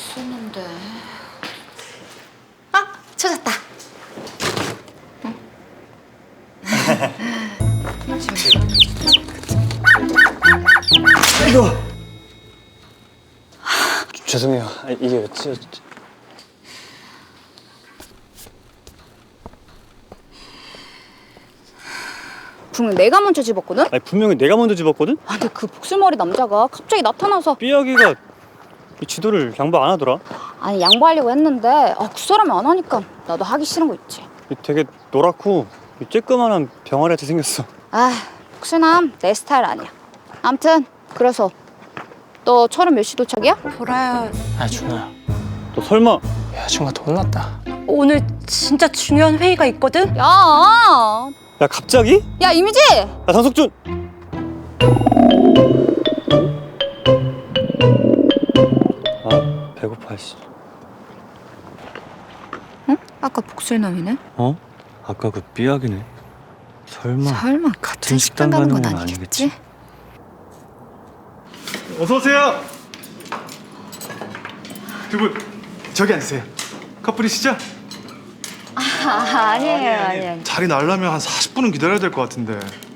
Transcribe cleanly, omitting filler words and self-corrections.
있었는데. 아, 찾았다. 이거 죄송해요. 이게 왜 찢어졌지? 분명 내가 먼저 집었거든? 아니 분명히 내가 먼저 집었거든? 아, 근데 그 복슬머리 남자가 갑자기 나타나서 삐약이가 이 지도를 양보 안 하더라. 아니 양보하려고 했는데 그 사람이 안 하니까 나도 하기 싫은 거 있지. 되게 노랗고 쬐끄만한 병아리같이 생겼어. 아, 복슬남 내 스타일 아니야. 암튼 그래서 너 철은 몇 시 도착이야? 보라야, 아 준호야, 너 설마 여자친구한테 혼났다. 오늘 진짜 중요한 회의가 있거든? 야, 야 갑자기? 야 이미지! 야 장석준! 아 배고파 씨. 응? 아까 복슬남이네? 어? 아까 그 삐약이네. 설마 같은 식당 가는 건 아니겠지? 어서 오세요. 두 분 저기 앉으세요. 커플이시죠? 아니에요. 자리 나려면 한 40분은 기다려야 될 것 같은데.